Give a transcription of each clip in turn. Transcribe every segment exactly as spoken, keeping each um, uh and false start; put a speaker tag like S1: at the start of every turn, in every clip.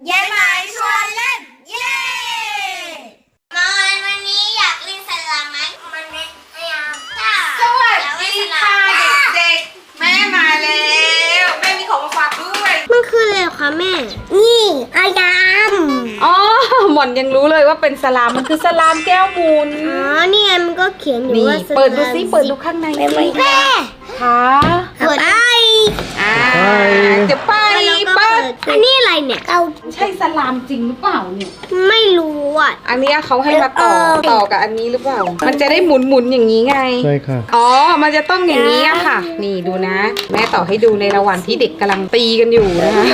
S1: ยายหมายชวนเล่นเย้มาวันนี้อยากเล่นสลามไหมมันไม่ไม่เอาสวัสดีค่ะเด็กๆแม่มาแล้วแม่มีของมาฝากด้วย
S2: มันคืออะไรคะแม่นี่อายาม
S3: อ๋อหม่อนยังรู้เลยว่าเป็นสลามมันคือสลามแก้วหมุน
S2: อ๋อนี่มันก็เขียนอยู่ว่า
S3: เปิดดูซิเปิดดูข้างในสิ
S2: แม่
S3: ค่ะ
S2: เปิดได้
S3: อ่าจะไปเปิด
S2: อันนี้อะไรเนี่ยเอา
S3: ใช่สลามจริงหรือเปล่าเนี่ย
S2: ไม่รู้อ่ะ
S3: อันนี้เขาให้มาต่อต่อกับอันนี้หรือเปล่ามันจะได้หมุนหมุนอย่างนี้ไง
S4: ใช่ค่ะ
S3: อ๋อมันจะต้องอย่างนี้อะค่ะนี่ดูนะแม่ต่อให้ดูในระหว่างที่เด็กกำลังตีกันอยู่นะคะ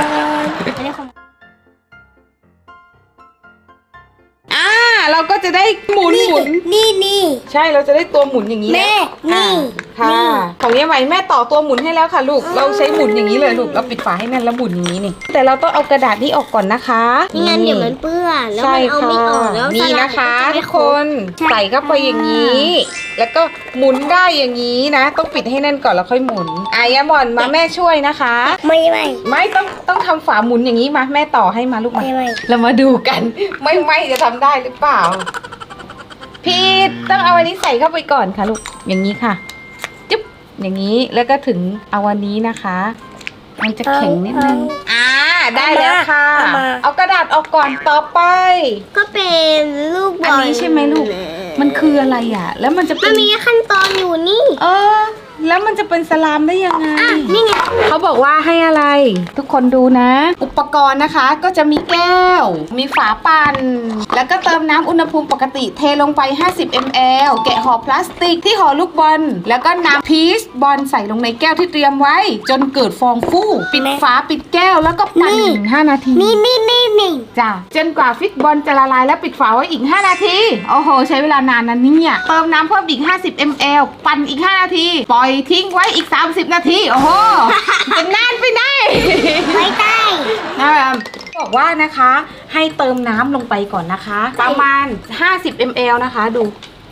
S3: อ่าเราก็จะได้หมุนหมุน
S2: นี่นี่
S3: ใช่เราจะได้ตัวหมุนอย่างนี้
S2: แม่นี่
S3: ค่ะของยายไหมแม่ต่อตัวหมุนให้แล้วค่ะลูกเราใช้หมุนอย่างนี้เลยลูกเราปิดฝาให้แน่นแล้วหมุนอย่างนี้นี่แต่เราต้องเอากระดาษนี้ออกก่อนนะคะ
S2: ไม่งั้นเดี๋ยวมันเปื้อนแล้วมันเอาไม่ออกแล้ว
S3: นี่นะคะทุกคนใส่เข้าไปอย่างนี้ แล้วก็หมุนได้อย่างนี้นะต้องปิดให้แน่นก่อนแล้วค่อยหมุนอายาหม่อนมาแม่ช่วยนะคะ
S2: ไม่ไม่
S3: ไม่ต้องต้องทำฝาหมุนอย่างนี้มาแม่ต่อให้มาลูกมาเรามาดูกันไม่ไม่จะทำได้หรือเปล่าพีทต้องเอาอันนี้ใส่เข้าไปก่อนค่ะลูกอย่างนี้ค่ะจุ๊บอย่างนี้แล้วก็ถึงเอาอันนี้นะคะมันจะแข็งนิดนึงอ่าได้แล้วค่ะเอากระดาษออกก่อนต่อไป
S2: ก็เป็นลูกบอล
S3: อันนี้ใช่ไหมลูกมันคืออะไรอ่ะแล้วมันจะ
S2: มันมีขั้นตอนอยู่นี่
S3: เออแล้วมันจะเป็นสลามได้ยังไง
S2: นี่ไง
S3: เขาบอกว่าให้อะไรทุกคนดูนะ อุปกรณ์นะคะก็จะมีแก้วมีฝาปั่นแล้วก็เติมน้ำอุณหภูมิปกติเทลงไปห้าสิบมิลลิลิตร แกะห่อพลาสติกที่ห่อลูกบอลแล้วก็น้ำพีชบอลใส่ลงในแก้วที่เตรียมไว้จนเกิดฟองฟูปิดฝาปิดแก้วแล้วก็ปั่นห้านาที
S2: นี่นี่นี่นี่
S3: จ้ะจนกว่าฟิกบอลจะละลายแล้วปิดฝาไว้อีกห้านาทีโอ้โหใช้เวลานานนะเนี่ยเติมน้ำเพิ่มอีกห้าสิบมิลลิลิตร ปั่นอีกห้านาทีปล่อยทิ้งไว้อีกสามสิบนาทีโอ้โหจะนานไปไหน
S2: ไม่ได้
S3: นะครับบอกว่านะคะให้เติมน้ำลงไปก่อนนะคะประมาณห้าสิบมิลลิลิตร นะคะดู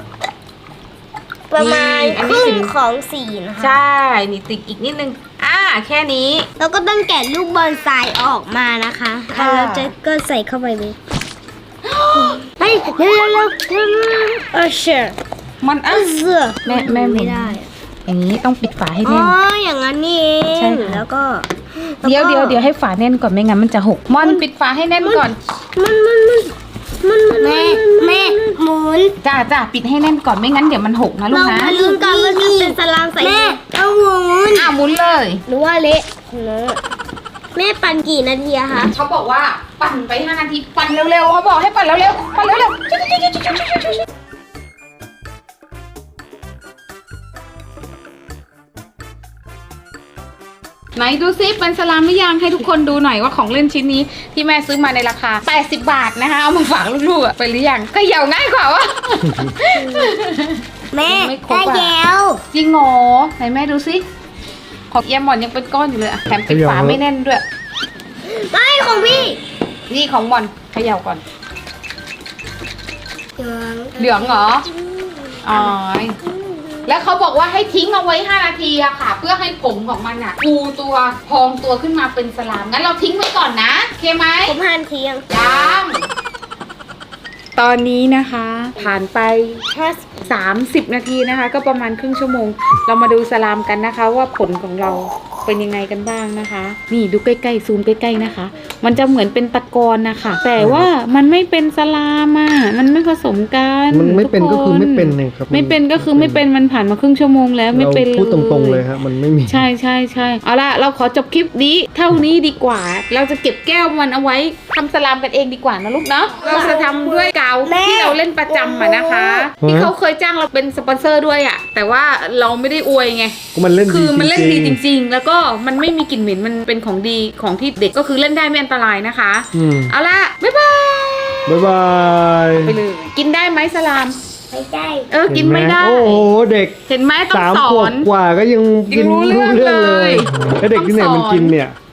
S2: ประมาณครึ่งของสีนะคะ
S3: ใช่นี่ติดอีกนิดนึงอ่าแค่นี้
S2: แล้วก็ต้องแกะลูกบอลทรายออกมานะคะแล้วจะก็ใส่เข้าไปเลยเฮ้ยเร็วเร็วเร็วเออเชื่อ
S3: มันอ่ะแม่แม่ไม่ได้อย่างนี้ต้องปิดฝาให้แน่น
S2: อ๋ออย่างนั้นนี่เองแล้วก็
S3: เดี๋ยวเดี๋ยวเดี๋ยวให้ฝาแน่นก่อนไม่งั้นมันจะหกมอนปิดฝาให้แน่นก่อน
S2: มันมันมันมันแม่แม่หมุน
S3: จ้าจ้าปิดให้แน่นก่อนไม่งั้นเดี๋ยวมันหกนะลูกนะ
S2: เราลืมกันว่าจะเป็นสลามใส่แม่เอาหมุน
S3: อ่ะหมุนเลย
S2: หรือว่าเละแม่ปั่นกี่นาทีอะคะ
S3: เขาบอกว่าปั่นไปห้านาทีปั่นเร็วๆเขาบอกให้ปั่นเร็วๆปั่นเร็วๆไหนดูซิเป็นสลามหรือยังให้ทุกคนดูหน่อยว่าของเล่นชิ้นนี้ที่แม่ซื้อมาในราคาแปดสิบบาทนะคะเอามาฝากลูกๆไปหรือยังก็เหี่ยวง่ายกว่าวะ
S2: แม่ได้แล้ว
S3: จริงเหรอไหนแม่ดูซิของเอี่ยมหมอนยังเป็นก้อนอยู่เลยแถมปิดฝาไม่แน่นด้วย
S2: ไม่ของพี่
S3: นี่ของหมอนเขย่าก่อนเหลืองเหรออ๋อแล้วเขาบอกว่าให้ทิ้งเอาไว้ห้านาทีอะค่ะเพื่อให้ผมของมันอะฟูตัวพองตัวขึ้นมาเป็นสลามงั้นเราทิ้งไว้ก่อนนะโอเคไหม
S2: ผมผ่านเที่ยง
S3: ยังตอนนี้นะคะผ่านไปแค่สามสิบนาทีนะคะก็ประมาณครึ่งชั่วโมงเรามาดูสลามกันนะคะว่าผลของเราเป็นยังไงกันบ้างนะคะนี่ดูใกล้ๆซูมใกล้ๆนะคะมันจะเหมือนเป็นตะกอนนะคะแต่ว่ามันไม่เป็นสลามอ่ะมันไม่ผสมกัน
S4: มันไม่เป็นก็คือไม่เป็นเลยครับ
S3: ไม่เป็นก็คือไม่เป็นมันผ่านมาครึ่งชั่วโมงแล้วไม่เป็น
S4: พูดตรงๆเลยฮะมันไม่มี
S3: ใช่ใช่ใช่เอาละเราขอจบคลิปนี้เท่านี้ดีกว่าเราจะเก็บแก้วมันเอาไว้ทำสลามกันเองดีกว่านะลูกเนาะเราจะทำด้วยกาวที่เราเล่นประจำอ่ะนะคะที่เขาเคยจ้างเราเป็นสปอนเซอร์ด้วยอ่ะแต่ว่าเราไม่ได้อวยไง
S4: มันเล่น
S3: คือมันเล่นดีจริงๆแล้วก็มันไม่มีกลิ่นเหม็นมันเป็นของดีของที่เด็กก็คือเล่นได้ไม่อันตรายนะคะเอาละบ๊ายบาย
S4: บ๊ายบาย
S3: ไปเลยกินได้ไหมสลาม
S2: ไม่ได้
S3: เออกินไม่ได้
S4: โอ้โหเด็ก
S3: เห็นไหมต้องสอน
S4: สามขวบกว่าก็ยังกินรู้เรื่องเลยแล้วเด็กที่ไหนมันกินเนี่ย